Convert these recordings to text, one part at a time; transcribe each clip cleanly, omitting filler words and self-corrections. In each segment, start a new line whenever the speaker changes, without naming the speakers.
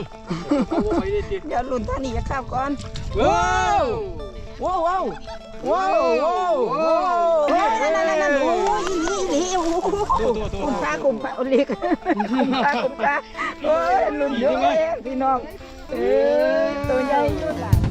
เดี๋ยวลุ้นท่านี้จะข้าวก่อน
ว้าว
ว้าวว้าวว้าวว้าวว้าวนั่นโอ้ยนี่โอ้คุ้มค่าเล็กคุ้มค่าโอ้ยลุ้นเยอะพี่น้องตัวใหญ่ยุ่นหลาย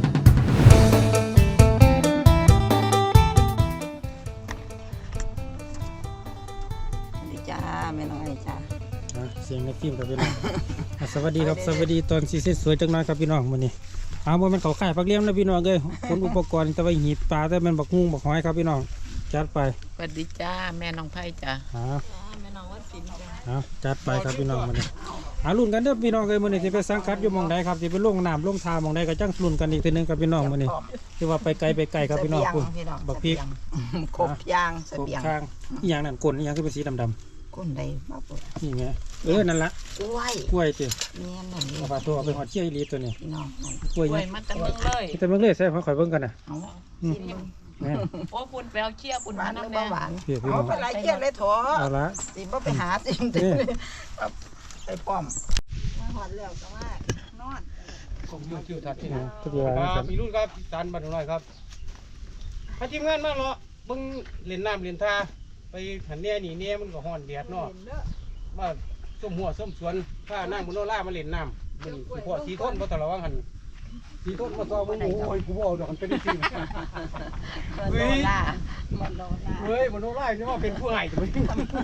นี่จ้าแม่น้อยจ้า
เสียงในฟิล์มกับพี่น้องสวัสดีครับสวัสดีตอนซีเซ็ตสวยจังน้อยครับพี่น้องวันนี้บ่มันเขาขายผักเลี้ยงนะพี่น้องเลยขนอุปกรณ์แต่ว่าหีบปลาแต่มันบักฮุ้งบักหอยครับพี่น้องจัดไป
สวัสดีจ้าแม่น้องไผ่จ้า
แม่น้องวัดสินจ้า
จัดไปครับพี่น้องวันนี้ลุ้นกันเด้อพี่น้องเลยวันนี้ที่ไปสังกัดอยู่มองใดครับที่ไปลงน้ำลงทามองใดก็จังลุ้นกันอีกทีนึงครับพี่น้องวันนี้ที่ว่าไปไกลครับพี่น้องคุณบักพริก
ครบยางเสบียง
ข้างอีหยังนั่นก้นอีหยังคือเป็นสีดำ
ก้นใดมาปวด
นี่ไงนั่นละ
ก
ล้วยจี
เนี่ยนั่น
เอาปลาตัวเอาไปหอดเชี่ยอีลีตัวนี้
พี่น้อง
กล้วย
มาแต่เมืองเลย
แต่เมืองเลยใช่เขาขอยเบิ่งกันนะ
โอ้ปุ่นแปลวเชี่ยปุ่น
หวานหรือเปล่าหวาน
เอา
ไปไล่เชี่ยเลยถอ
เอาละ
สิบ่ไปหาจริงไปป้อมมาหอดแล้วก็ว่านอน
ผมยืนคิวทัดที่ไหนทุกอย่างมีรุ่นครับจานบันหน่อยครับพาทีมงานมาเหรอเบิ่งเล่นน้ำเล่นท่าไปหันเนี่ยนี่เนี่ยมันก็ฮ้อนแดดเนาะว่าส้มหัวส้มสวนข้านั่งบนโนล่ามาเล่นน้ำมันพวกสีต้นเพราะตลอดว่าหันสีต้นมาซ้อมมึงโอ้ยกูบอกเดี๋ยวมันเป็นจริงเฮ้ยบนโนล่านี่ว่าเป็นผู้ใหญ่จะไม่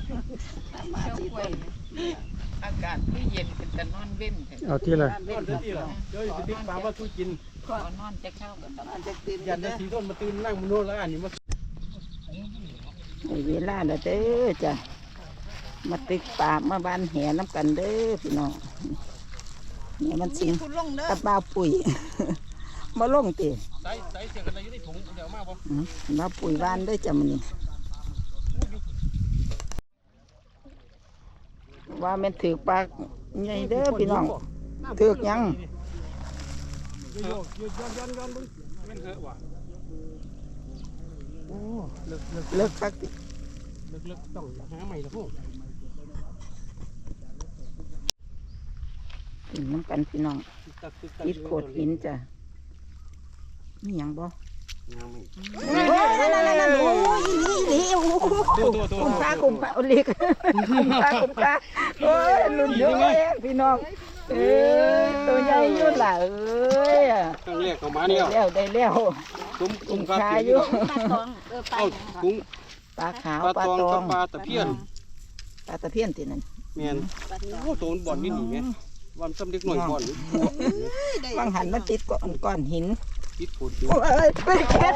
อากาศที่เย็นเป็นแต่นอนเว้น
เอาที่ละ
นอน
ที่ละเดี๋ยวจะติ๊กปลาว่าทุกิน
นอนจะเข้ากับตอน
จะตื่น
ยันจะสีต้นมาตื่นนั่งบนโนล่านี่มา
เวลาเด้อจ้ะมาตึกปากมาบานแห่น้ำกันเด้อพี่น้องเนี่ยมันสิงกับบ้าปุ๋ยมาลงตี
ใส่เสียกันอะไรอยู่ในถุงเดี๋ยวมาบ่
บ้าปุ๋ยบ้านเด้อจ้ะมันนี่ว่ามันถือปากใหญ่เด้อพี่น้องถือยัง
ย้อนบึ้งแม่นเถอะว่ะโอ้
เลิกพักติ
เลิกต้องหาใหม่ละพวก
กินน้ำกันพี่น้องติดโขดหินจ้ะนี่ยังบ่นั่นโอ้ยนี่คุ้มค่าเล็กคุ้มค่าโอ้ยลุ้นเยอะพี่น้องตัวใหญ่ยุ่นหล่ะ
ตั้งเรียกเข้ามาเนี่ย
ได้แล้ว
คุ้มค่าอยู่เอากุ้ง
ปลาขาว
ปลาตองปลาตะเพียน
ตินั่น
แม่นโอ้โตนบ่อนนี่หนีไงวันซ้ำเล็กหน่อยบ่อน
บางหันมันติดก้อนหิน
ติดโขดอยู่
ไปเก็บ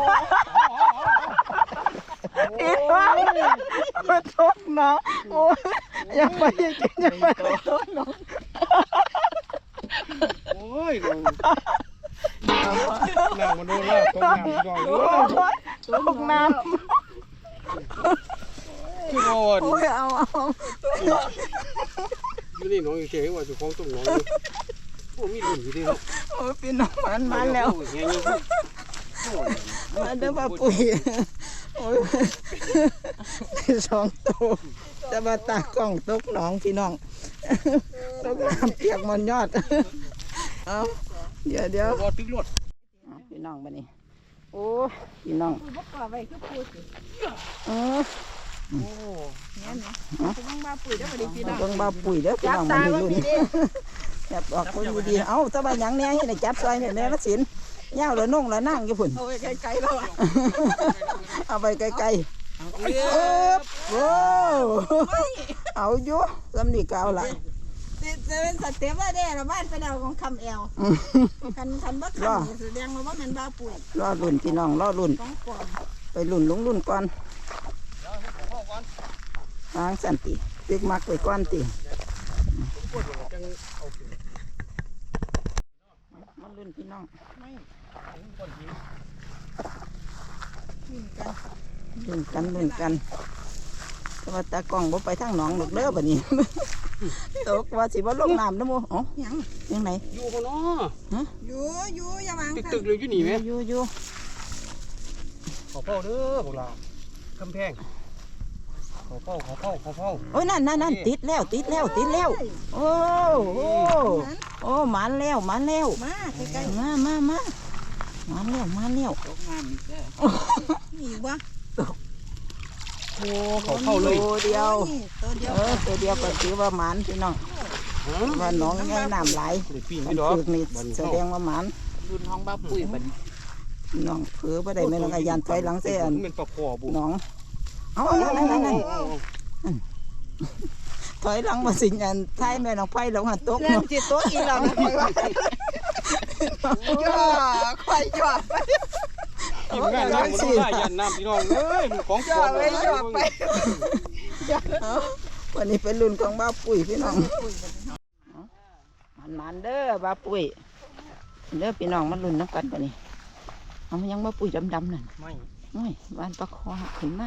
ติดว่ามาทกน้องโอ้ยอย่าไปทกน้อง
โอ้ยน้ำมันโดนแล้วตกน้ำก่อน
ตกน้ำ
ที่โดน
โอ้ยเอา
อยู่นี่น้องอยู่เฉยว่าจะคล้องต้มน้องอยู่โอ้มีหลุมอยู่ดิ
โอ้พี่น้องมันมาแล้วมาเด้อป้าปุ๋ยโอ้ยสองตัวจะมาตากล้องตกหนองพี่น้องตกน้ำเปียกมันยอดเอาเดี๋ยว
รอตึกรถ
พี่น้องมานี่โอ้พี่น้อง
โอ้เนี่ยนะต้องบ้าปุ๋ยเด้อมาดีพี่น้อง
ต้องบ้าปุ๋ยเด้อพี่น้องมาดีรุ่นจับออกคนดีเอ้าตะบันยังเนี่ยให้จับซอยเนี่ยแม่ละสินเงาเลยนุ่งเลยนั่งอยู่ฝุ่น
เอาไปไกลๆแล้ว
เอาไปไกลๆโอ้เอาอยู่ลำดีเก่าละ
จะเป็นสเต็ปว่าได้ละบ้านเป็นเอาของคำเอวคันบ้าคันแสดงว่ามันบ้าปุ๋ย
รอรุ่นพี่น้องรอรุ่นไปรุ่นรุ่นก่อนทางสันติตึกมักไปก้อนติมันรุ่นพี่น้องรุ่นกันแต่ว่าตากล้องบ่ไปทางหนองหลกเด้อแบบนี้ตกว่าสิว่าลงน้ำนะโมอ๋อยังไง
อยู่คนน้อ
อยู่อย่ามา
ตึกเลยอยู่หนีไหม
อยู่
ขอพ่อเด้อพวกเรากำแพงเขาเฝ้า
โอ้ยนั่นติดแล้วโอ้โอ้หมันแล้ว
มาใกล้ๆ
มาหมันแล้ว
ตกน้ำอีกแล้วมีอีกวะ
โอ้เขาเข้าเลย
ตัวเดียว
ตัวเดียว
ตัวเดียวก็ถือว่าหมันพี่น้องว่าน้องไงน้ำไหล
เดี๋ยวปีน
มั
ไม่
น
ดอก
ฝึกนี่แสดงว่าหมัน
รุ่นห้องบ้าปุ๋ยบัด
น้องเผือบ่ได้แม่น้องยันถอยหลังเสียน
เป็นปลาคอบุ
น้องเอานั่นถอยหลังมาสิยันท้ายแม่น้องไผ่ลงหันตก
เรื่องจิตตัวอีหลังคอยว่าจ่อคอยจ่อไป
ทีมงานนั่งบนได้ยันน้ำพี่น้องเอ้ยมันของ
จ่อไปจ่อไป
วันนี้เป็นรุ่นของบ้าปุ๋ยพี่น้องมันเด้อบ้าปุ๋ยเด้อพี่น้องมันรุ่นน้ำกันปะนี่เอามันยังบ้าปุ๋ยดำนั่น
ไม่
โอ้ยบ้านปลาคอขึ้นมา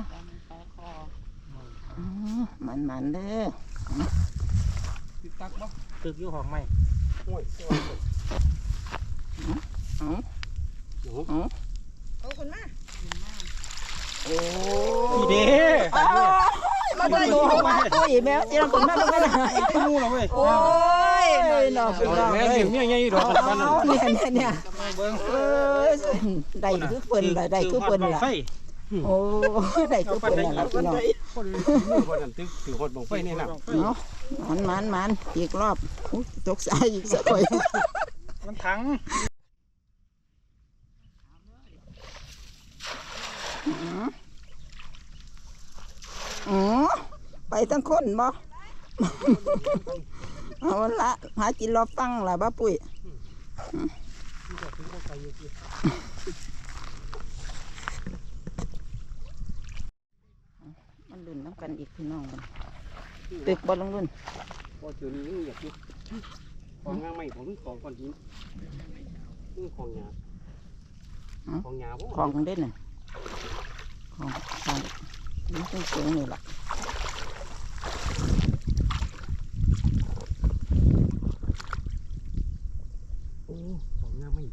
มันเด้อ
ติดตักบ่ตึกอยู่ห้องไม่โอ้ย
เอาคนมา
โอ้
ดีเด้
มาดูดูของบ้าปุ๋ยแมวที่เราขึ้นมาเป็นไง
ไม่รู้หรอกเว้ย
โอ้ยน้องพี่น้อง
แม่
เอ้
เลี้
ย
ยงเนี่ยไงดอก
เนี่ยได้คือเพิ่นละได้คือเพิ่นละโอ้ได้คือเพิ่นละพี่น้อง
คนนั้นถือคนบ่งไฟนี่น่ะ
เนาะมันอีกรอบตกสายอีกสักหน่อย
มันถัง
ไปทั้งคนบ่เอาละหากินรอบฟังล่ะบ้าปุ้ยมันลุ่นน้ำกันอีกพี่น้องกันตึกบอลลงลุ่น
พอเจอนี้ยังอยากอยู่ของงาไม่ของของก้อนหินของหยาของหยาบ่
ของเด่นน่ะของนี่เป็นเสียงนี่แหละ
โอ้ของงาไม่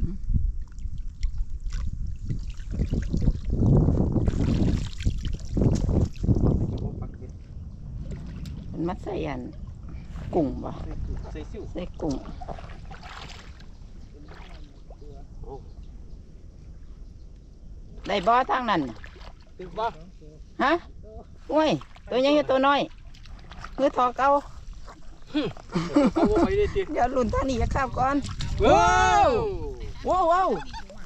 มันมัดใส่อันกุ้งบ่
ใส่ซิ่ว
ใส่กุ้งได้บ่ทางนั้น
ตึกบ่
ฮะโอ้ยตัวใหญ่ตัวน้อยเพื่อทอเก่า
เอาไปได้ติ
เดี๋ยวลุ่นท่านี้จะข้ามก่อน
ว้าว
ว้าว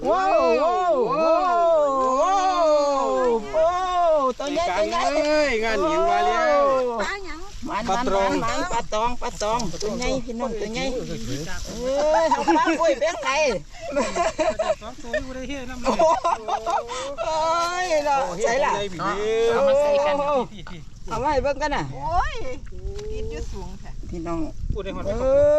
ตัวใหญ่
งานหญิงมาแล้ว
ปลาหยัง
มันปลาตองตัวใหญ่พี่น้องตัวใหญ่เอาปลาปุ้ยเป็นไง
สองตัวอยู่ได้เฮ็ดนำ
โอ้ยเนาะใส่ละเอามาใส่กันเอามาให้เบิ่งกันน่ะ
โอ้ยติดอยู่สูงแท้
พี่น้อง
พูดได้ฮอด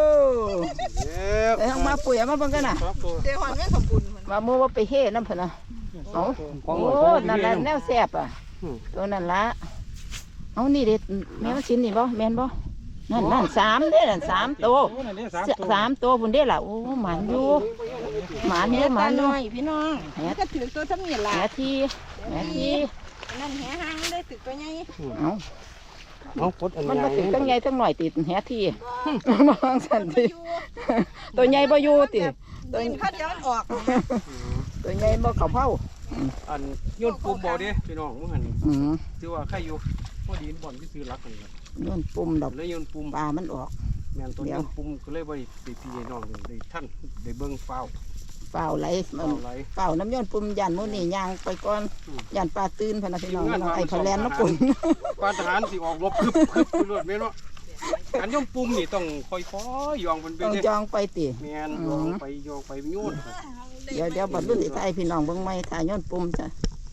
เอามาปุ๋ยเอามาเบิ่งกันน่ะ
สองตัว
เดี๋ยวหอนแม่ขอบคุณมัน
ว่าโมว่าไปเฮ็ดน้ำเพิ่นน่ะเอาโอ้นั่นแหละแนวแซ่บอ่ะตัวนั่นละเอานี่เด็ดแม่มาชิ้นนี่บ่แม่นบ่นั่น3เด้นั่น3ตัว3ตัวพุ่นเด้ล่ะโอ้หมันอยู่หมันเด้หมันน้อยพี่น้องแห
ก็ถือตัวทำนี่ล่ะ
แหที
นั่นแหหางได้ถือตัวใหญ่
เอา
เอากดอัน
มันมาถึงตั้งใหญ่ตั้งหน่อยติดแหทีมองสันติตัวใหญ่บ่อยู่ติ
ตัวพัดย้อนออก
ตัวใหญ่บ่เข้าเผา
อันโยนปุ่มบ่เด้พี่น้องมื้อหั่น ถือว่าใครอยู่พอดีบ่อนที่ซื้อรักกันครับ
โยนปุ่มดอก
เลยโยนปุ่ม
ปลามันออก
แม่นตัวโยนปุ่มก็เลยบ่ได้พี่น้องได้ท่านได้เบิ่งฟ้าว
เปล่าไหลมัน
ไหล
เปล่าน้ำโยนปุ่มยันมื้อนี้ย่างไปก่อนยันปลาตื่นพะนะพี่น้องน้องไอ้พะแลนน้ำปุ่น
ปานทหารสิออกรบคึบไปรวดแม่นเนาะการโยนปุ่มนี่ต้องค่อยๆย่องมันไป
ต้อง
เด้
จองไปติ
แม่นย่องไปโยน
เดี๋ยวบรรลุสิไทยพี่น้องเบิ่งใหม่ถ่ายโยนปุ่มจ้ะ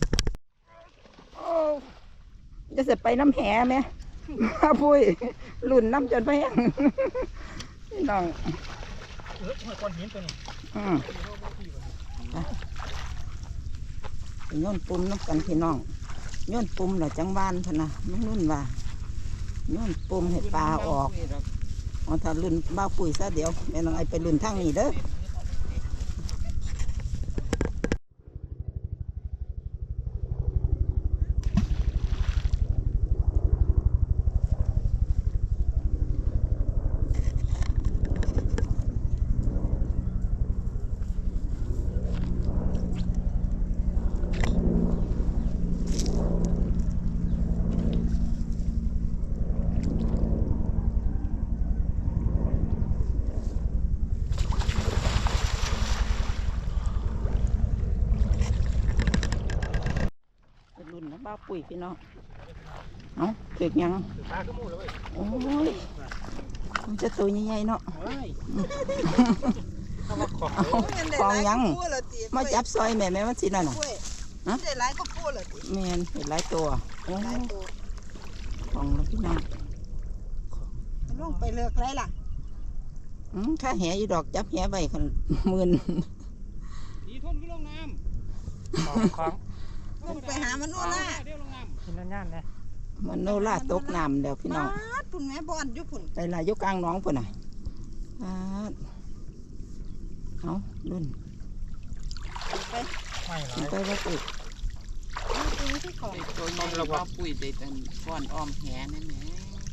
จะเสร็จไปน้ำแหไหมมาปุ้ยลุ่นน้ำจนไปแห้งพี่น้อง
ก้อนหินตัวนี้
โยนปุ่มน้ำกันพี่น้องโยนปุ่มเหรอจังหวานพะนะน้องนุ่นว่าโยนปุ่มให้ปลาออกอ๋อถ้าลุ่นบ้าปุ๋ยซะเดี๋ยวแม่น้องไอไปลุ่นทางนี้เด้อบ้าปุ๋ยพี่น้องเอาถึกยัง
ปลาขึ้นมูเลย
โอ้ยมันจะตัวใหญ่ๆเนาะ
เอามาขอ
เอาของยังมาจับซอยแม่มันสินั่นน่ะ
ได้หลายก็พูดเลย
แม่นเห็นหลายตัวโอ้
หลายตัว
ของเราพี่น้อง
ลงไปเลือกไรล่ะ
ถ้าแหอยู่ดอกจับแหใบคันหมื่น
ดีทนก็ลงน้ำของ
ลงไปหามันโน่นล่ะ
เดี๋ยวลงน้ำกินนั่นๆนะ
มันโนล่าตกน้ำแล้วพี่น้อง
พุ่นแม่บอนอยู่พุ่น
ไปลายยกกลางหน้องพุ่นน่ะเอารุ่น
ไป
ไม่หลา
กิน
ย
ไปว่าปุ๋ย
ตรงนี้ที่ของ
ตัวใหญ่ว่าปุ๋ยได้แต่ก้อนอ้อมแหนั่นแหละ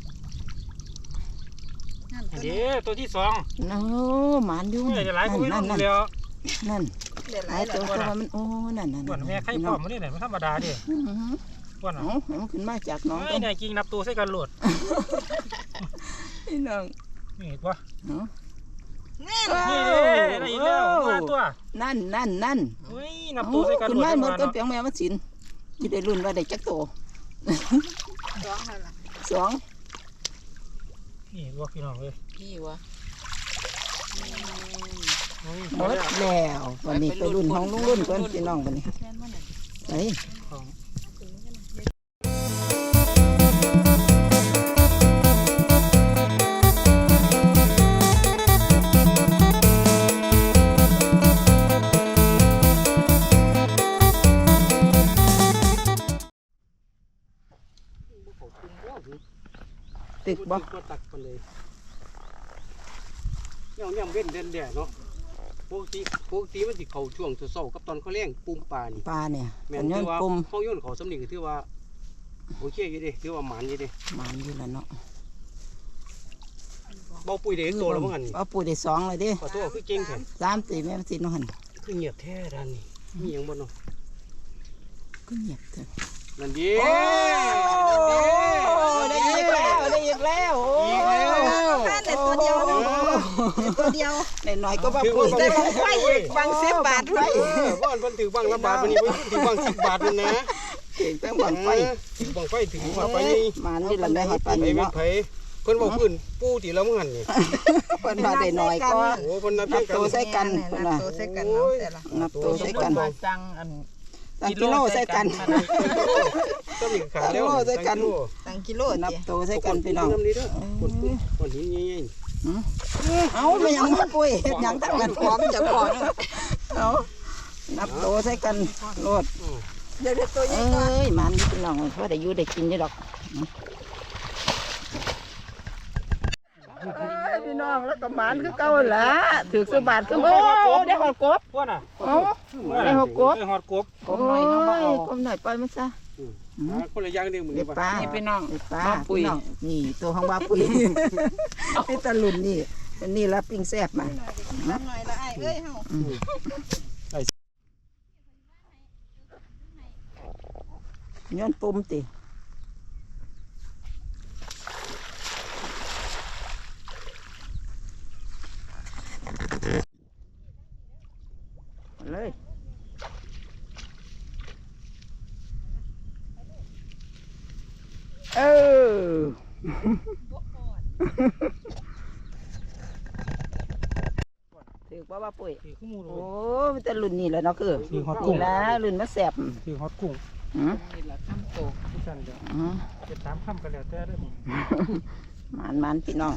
นั่นตัว
เดี๋
นี้
ยวตัวที่สอง
โอ้หมานอยู่
ไม่ได้หลายก็ไม่
นั่
รู้
น
เดียว
นั่น
ได้ห
ห
ลา
ลาย ย
แล้
ตัว
ว
ตัวมันโอ้นั่น
ก่อนแม่ไข่ปลอมมันนี่ไหนมันธรรมดาดิก่อน
เอาให้มันขึ้นมาจากหน้อง
ไอ้เนี่ยกิ่งนับตัวใส่กันโหลด
พี่น้อง
นี่เห็นปะ
แน่
นี่ได้อีกแล้วตัว
นั่น
เฮ้ยนับตัวใส่กันโหล
ขึ้น
ด
มาเหมือนต้นเปียงแมวมันสินที่ได้รุ่นว่าได้จักโต
สองนั่นล่ะ
สอง
นี่วัวพี่น้องเลย
พี่วะ
ห
หมดแล้ววันนี้ไปรุ่นของลุงรุ่นก่อนพี่น้องวันนี้ไป
ของ
ตึกบ่
ก็ตักไปเลยย่ำเว้นเด่นแดดเนาะปกติมันสิเข้าช่วงเช้ากับตอนเขาเลี้ยงปุ่มปลานี่
ปลาเนี่ย
แม่
มัน นย้อ
ถื
น
อว่า
ปุ่ม
ห้องย่นเขาสำนึกถือว่าโอเคอยู่ดิถือว่าหมานอยู่ดิ
หมันอยู่แล้วเนาะ
เบาปุ๋ยเด็กโตแล้วมั้งอันนี้
เอาปุ๋ยได้สองเลยดิ
ขอโทษคือเก่งแท้
3 4แม่มันสิน้องหัน
คือเงียบแท้ด้านนี้มีหยังบ่เนาะ
ก็เงียบเถอะ
นั่นดิ
ได้อีกแล้วโอ้
ได้ตัวเดียวตัวเดียว
น้อยๆก็ว่าปุ๋ย
ได้บังไฟบัง10 บาทด้วย
บ้านเพิ่นถือบังละบาทวันนี้เพิ่นถือบัง10 บาทนั่นนะ
เก่งตั้งบังไฟ
ถือบังไฟถือบังไฟนี่
มันนี่ละแม่ให้ปาน
ไป
นี้
เม็ด
เนาะ
ไผเพิ่นบอกพื้นปูตีแล้วมั้งหันนี่
เพิ่นว่าได้น้อยก็
โอ้เพิ่นนับ
นับ
กั
ตัวน ใส่กันเพิ่นว่า
ตัวใส่กันเนาะแต่ละ
นับตัวใส่กัน
จังอัน
ตั้งกิโลใส่กัน
ก็มีขาแล้ว
ใส่กัน
ตั้งกิโล
นับ
เจี
ตัวใส่กันพี่น้อง
น้ำนี้เด้อคนหินใหญ่
เอาไม่ยังมาปุ้ยเฮ็ดหยังทั้งนั้น
พร้อมจะพร้อม
เอานับตัวใส่กันโลด
เดี๋ยวตัวใหญ่
เอ้
ก่อน
ยมันพี่น้องว่าได้อยู่ได้กินอยู่ดอกพี่น้องแล้วก็หมานคือเก่าละถือสบาทคือโอ้ได้หอดกบ
พวกน่ะ
เอาได้หอดกบ
หอดกบ
กบหน่อยเขาเอากบหน่อยปล่อยมันซะ
คนละอย่างเดียวเหมือน
เด็
กัน
ปลา
นี่พี่น้อง
เด็ปลา
บ้าปุ๋ย
พี่น้องนี่ตัวของบ้าปุ๋ยนี่ตะลุนนี่นี่ละปิ้งแซ่บมา
น้ำหน่อยละไอ้เอ้ยเฮา
ย้อนปุ่มติเลยเออ ถือว่าว่าปุ๋ย
คือคู่มู
โอ้มันจะรุ่นนี่แหละเนาะคือ
คือฮอตกุ้
นี่
ง
ละรุ่นมาแสบ
คือฮอตกุ้ง
อืม
นี่แหละคำโต
ที่สั่นเดียว
อืม
จะตามคำกันแล้วแต่ได้หมด
มันพี่น้อง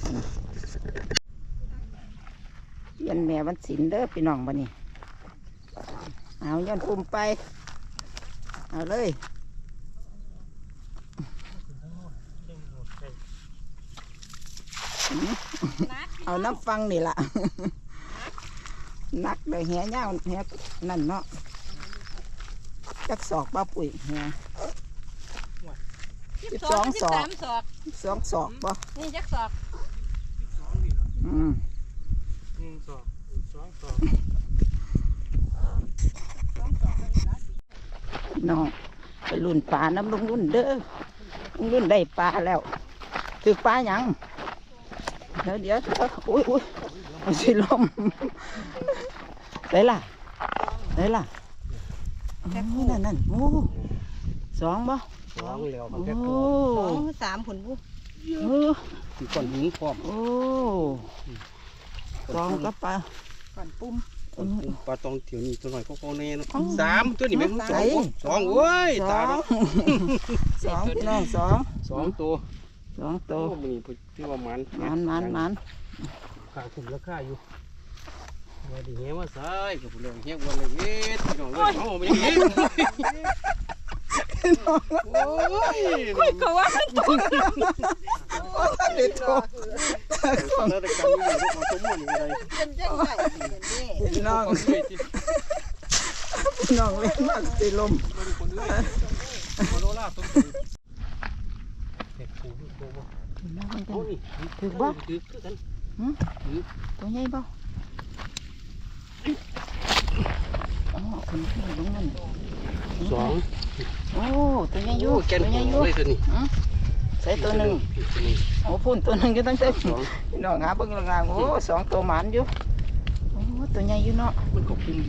ยันแม่วันศิลเด้อพี่น้องบัดนี้เอายันปุ่มไปเอาเลยเอาน้ำฟังนี่ล่ะ นักเลยแหเงาแหนั่นเนาะจักศอกบ้าปุ๋ยแห12 ศอก
13 ศอก
2 ศอกบ่
นี่จักศอก
อืม
1 2 2
น้องไปรุ่นปลาน้ำลุงรุ่นเด้อลุงรุ่นได้ปลาแล้วถือปลาหยังเดี๋ยวอุ้ยมันสิลมได้ล่ะโอ้นั่นโอ้สองบ่
สองแล้วมั
โอ้
นแค่โต
สามผลบุ
เออ
มีก้อนหินพร้อม
โอ้สองก็ปลา
ก่อนปุ่ม
ปลาตองเถียวนี่ตัวหน่อยก็แน่เนาะสามตัวนี่แม่งสอง
ไหน
สองโอ้ย
ส
ตา
อง
เนาะ
สองพี่น้องสอง
สองตัว
สองโต
โอ้มันนี่ที่ว่ามัน
มัน
ขาคุ้มราคาอยู่ว่าดีเหี้ยมาใส่กับผู้เลี้ยงเหี้ยวันเลยเว้ยพี่น้องเลยเอาไปยังไงโอ้ย
ก็ว่า
เด็ดโต
แล้วแต่การอยู่ของสมมุติอะไร
เป็นจังไง
พี่น้องพี่น้องเล่นมากสิลม
มาโดล่าต้นเด็กปูดูโตบ่โอ้นี่ถือกัน
ตัวใหญ่บ่อ๋อคนที่ลงนั่น
สอง
โอ้ตัวใหญ่อยู่
แกน
ตัวใหญ่อยู่
เลยตัวนี้
ใส่ตัวหนึ่งโอ้พุ่นตัวหนึ่งอยู่ตั้งแต่พี่น้องหาเบิ่งล่างๆโอ้สองตัวหมานอยู่โอ้ตัวใหญ่อยู่เนาะ
มันก็คุ้มดี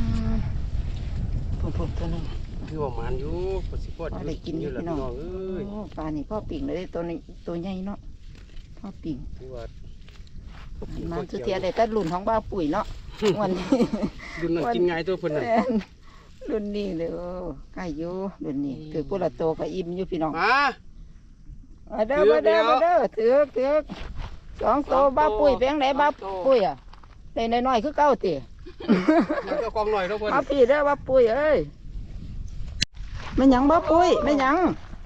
พุ่นตัวหนึ่ง
คือว่ามันอยู่ปสิพอดอยู่แล้วพี่น้องเอ้ย
โอ้ปลานี่พ่อปิ่งเลยตัวนี้ตัวใหญ่เนาะพ่อปิ่ง
คือว่า
มันสุดเทียได้แต่รุ่นของบ้าปุ๋ยเนาะวันนี้
ดุนนั่นกินง่ายตัวเพิ่นน่ะ
รุ่นนี้เลยใกล้อยู่รุ่นนี้ถือกุละโตก็อิ่มอยู่พี่น้อง
มา
มาเด้อถือสองโตบ้าปุ๋ยแบงไหนบ้าปุ๋ยอ่ะได้น้อยๆคือเก้าตี
มันก็กองหน่อยเท่าเพิ่น
มาพี่เด้อบ้าปุ๋ยเอ้ยไม่หยังบ้าปุ๋ยไม่หยัง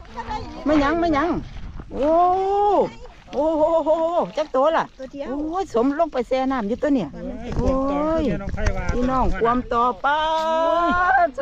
โอ้โอ้โหจักโตล่ะ
ตัวเดียว
โอ้ยสมลงไปแช่น้ำอยู่ตัวเนี่ยโอ้ยพี่น้องความต่อป้าโต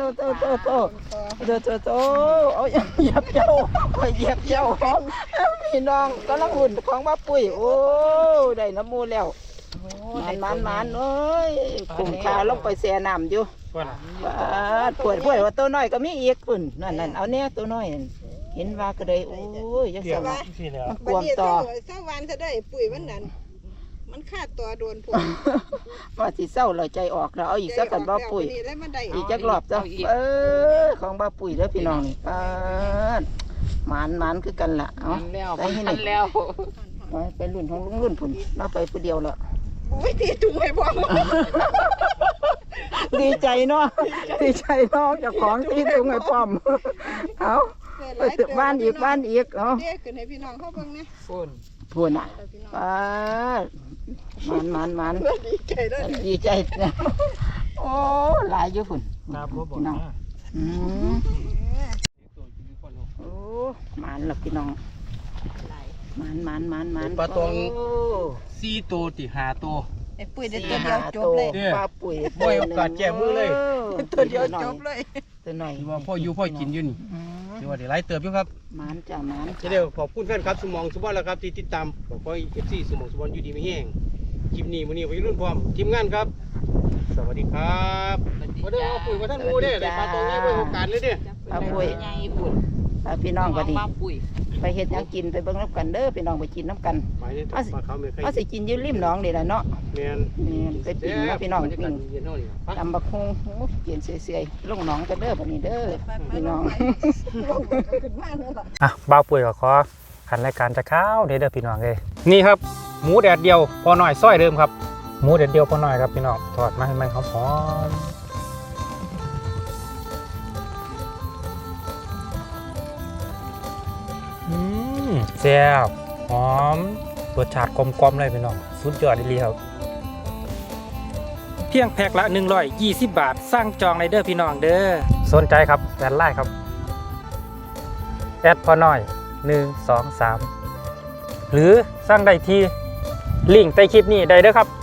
เอาเหยียบเจ้าของพี่น้องกำลังหุ่นของบ้าปุ๋ยโอ้ได้น้ำมูแล้วมันเอ้ยขุ่มขาลงไปแช่น้ำอยู่ปวดว่าตัวน้อยก็มีอีกปุ่นนั่นเอาเนี่ยตัวน้อยเห็นว่าก็เลยโอ้ยยังสบายมันกวมต่อ
เศร้าวันจะได้ปุ๋ยมันนั่นมันขาดตัวโดนปุ๋ย
ว่าสิเศร้าเราใจออกแล้วเอาอีกสักกันบ้าปุ๋ย
แล้วมันได้
อีกจักรอบจ้ะของบ้าปุ๋ยแล้วพี่น้องนี่มันคือกันล่ะเอาไปให้หนึ่งไปรุ่นของลุงรุ่นผุนเราไปผู้เดียวละ
อุ้ยตีถุงไว้บ่
ดีใจเนาะเจ้าของที่ตรงไอ้ป้อมเอาไปตึกบ้านอีกเอา
เด็กขึ้นให้พี่น้องเขาเบิ่งนะ
พูนอ่ะมัน
ดีใจด้วย
ดีใจนะโอ้หลายอยู่พุ่นพี่น้องโอ้มันหลับพี่น้องมัน
ปลาตอง4ตัวติ5ตัว
ไอ้ปุ๋ยได้ตัวเดียวจบเลย
ปลาปุ๋ย
บ่ให้โอกาสแก้มือเลย
ตัวเดียวจบเลย
ตัวหน่อย
ที่ว่าพ่ออยู่พ่อกินอยู่นี่ที่ว่าได้หลายเติบอยู่ครับ
มัน
จะเดี๋ยวขอบคุณแฟนครับสมองสุบอนแล้วครับที่ติดตามขอให้ FC สมองสุบอนอยู่ดีไม่แห้งคลิปนี้มื้อนี้วัยรุ่นพร้อมทีมงานครับ สวัสดีครับบ่ได้เอาปุ๋ยมาท่านหมู่เด้ได้ปลาตองนี้ไว้โอกาสเลยเด้
ปลาปุ๋ยพี่น้องก็ดีไปเฮ็ดหยังกินไปเบิ่งน้ำกันเด้อพี่น้องไปกินน้ำกัน
หมายถึงปลาเขาไม่เคย
เอาสิกินอยู่ริมหนองนี่แหละเนาะ
แม่น
นี่ไปปิ้งนะพี่น้อง
บรรยากา
ปิ้
ศ
ง
เย็นเท่านี้ครับ
ตำบักฮงกินเสียๆลงหนองกันเด้อบัดนี้เด้อพี่น้อง
บ้าวปุ๋ยก็ขอขันรายการจะข้าวเด้อพี่น้องเลยนี่ครับหมูแดดเดียวพอหน่อยซอยเดิมครับหมูแดดเดียวพอหน่อยครับพี่น้องทอดมาให้มันหอมแซ่บหอมรสชาติกลมๆเลยพี่น้องสุดยอดเลยครับเพียงแพ็คละ120 บาทสร้างจองในเด้อพี่น้องเด้อสนใจครับแอดไลน์ครับแอดพอน้อย1 2 3หรือสร้างได้ที่ลิงก์ใต้คลิปนี้ได้เด้อครับ